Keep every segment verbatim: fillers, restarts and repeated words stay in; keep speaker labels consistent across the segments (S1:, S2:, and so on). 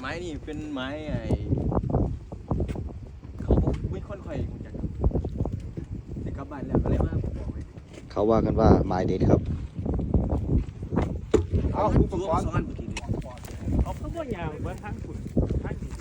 S1: ม้นี่เป็นไม้ไอ้เขาไม่ค่อยค่อยรู้จักแต่กลับบ้านแล้วก็เลยว่าผมบอกเลย
S2: เขาว่ากันว่าไม้เด็ดครับ
S1: เอาอุปกรณ์ซ้อนเมื่อกี้นี้
S3: เอาเขาบ่ยางเบิ่งทางฝุ่นทางดี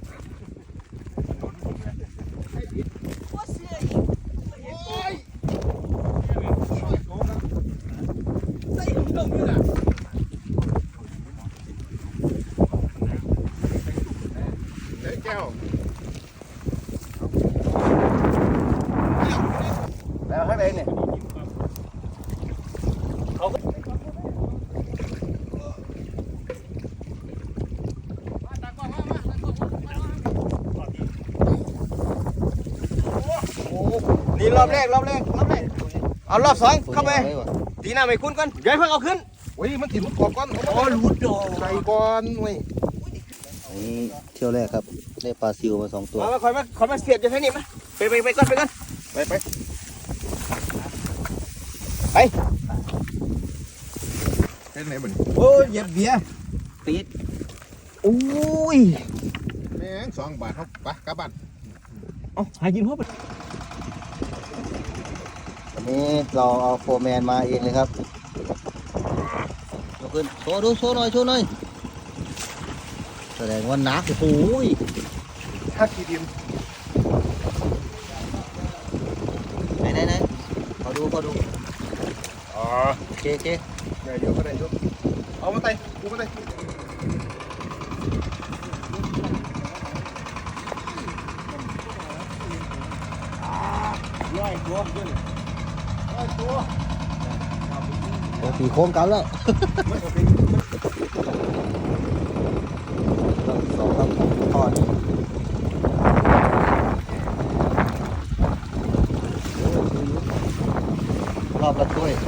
S1: แล้วข้างในเนี่ยนี่รอบแรกรอบแรกรอบแรกเอารอบสองเข้าไปตีหน้าไม่คุ้นก่อนเดี๋ยวเพิ่งเอาขึ้น
S4: โอ้ยมันถิ่นมันกรอบก้อน
S1: อ๋อรูดดอก
S4: ใส่ก้อนเว้ย
S2: นี่เที่ยวแรกครับได้ปลาซิวมาสองตัว
S1: มาคอยมาคอยมาเสียบจะใช่นี่มั้ยไปไปไปก่อนไปก่อน
S4: ไปไป
S1: ไป
S4: เฮ็ดไหนบ่น
S1: โอ้ยเหยียบเบียร์ติดอุ้ย
S4: แม่งสองบาทครับไปกลับบ้าน
S1: เอาหากินพ่อไป
S2: วันนี้เราเอาโฟร์แมนมาเองเลยครับยกขึ้นโชว์ดูโชว์หน่อยโชว์หน่อยแสดงว่าหนักโอ้ย
S4: ถ้าขี้ดิน
S2: ไหนไหนไหนขอดูขอดู
S4: อ๋อ
S2: โอเคโอเค
S4: ได้เยอะก็ได้เยอะเอามาไต่กูมาไต่
S1: ย่อยตัวขึ้น
S2: โอ้ตีโค้งเก่าแล้วสองครับทอดรอบละถ้วย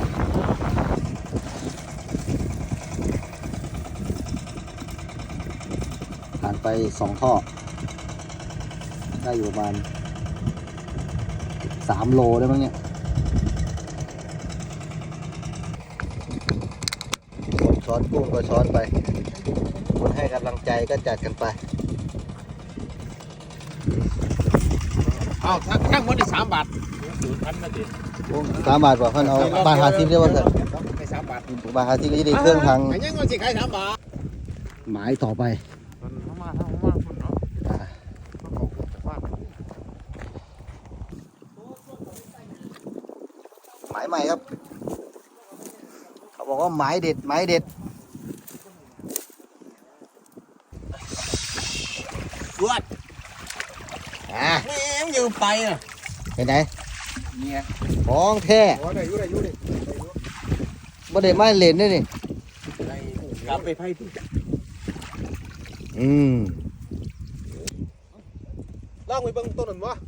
S2: ผ่านไปสองท่อ ได้อยู่ประมาณสามโลได้มั้งเนี่ยช้อนกุ้งก็ช้อนไปคนให้กำลังใจก็จัดกันไป
S4: เอาทั้งทั้งหมดนี่สามบาท
S3: ศูนย์พันนาที
S2: สามบาทกว่าเพื่อนเอาบาทหาซิปได้ป่ะเถอะ
S4: ไปสามบาท
S2: บาทหาซิปก็จะได้เครื่องทาง
S4: ไอ้ยังมันสิขายสามบาท
S2: หมายต่อไป
S4: เข้ามาเข้ามาคนเนาะ
S2: หมายใหม่ครับ เขาบอกว่าหมายเด็ดหมายเด็ด
S1: รวด
S2: อ่ะ
S1: แม่งอยู่ไปอ่ะ
S2: เห็นไหน
S1: เนี่ย
S2: ของแท้
S4: โอ้ได้อยู่ได้อยู่ดิ
S2: บ่ได้ไม้เล่นด้วยนี่
S1: กลับไปไพ่ที่
S2: อืม
S4: ลองไปเบิ่งต้นนั่นวะ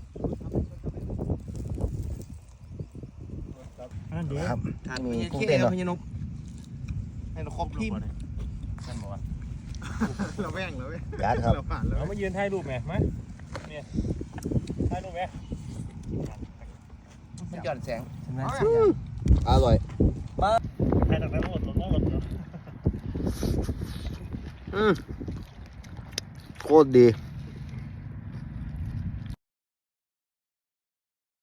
S3: อันเดียว
S2: ครับ
S1: ทาน
S2: มี
S1: มี
S2: กุ้ง
S1: เขี้
S2: เต้น
S1: ย
S2: เหรอ
S1: พญานกให้เราครบทีม
S3: ท่านบอกว่า
S4: เราแว่งเลยเว้ย
S2: จัดครับ
S4: เราผ่านเลย
S3: เอามายืนถ่ายรูปไหมมาเนี่ยถ่ายรูปไหม
S1: มันหย่อนแสง
S2: อร่อย
S3: ถ่ายจากนั้นรถรถรถรถ
S2: อืมโคตรดี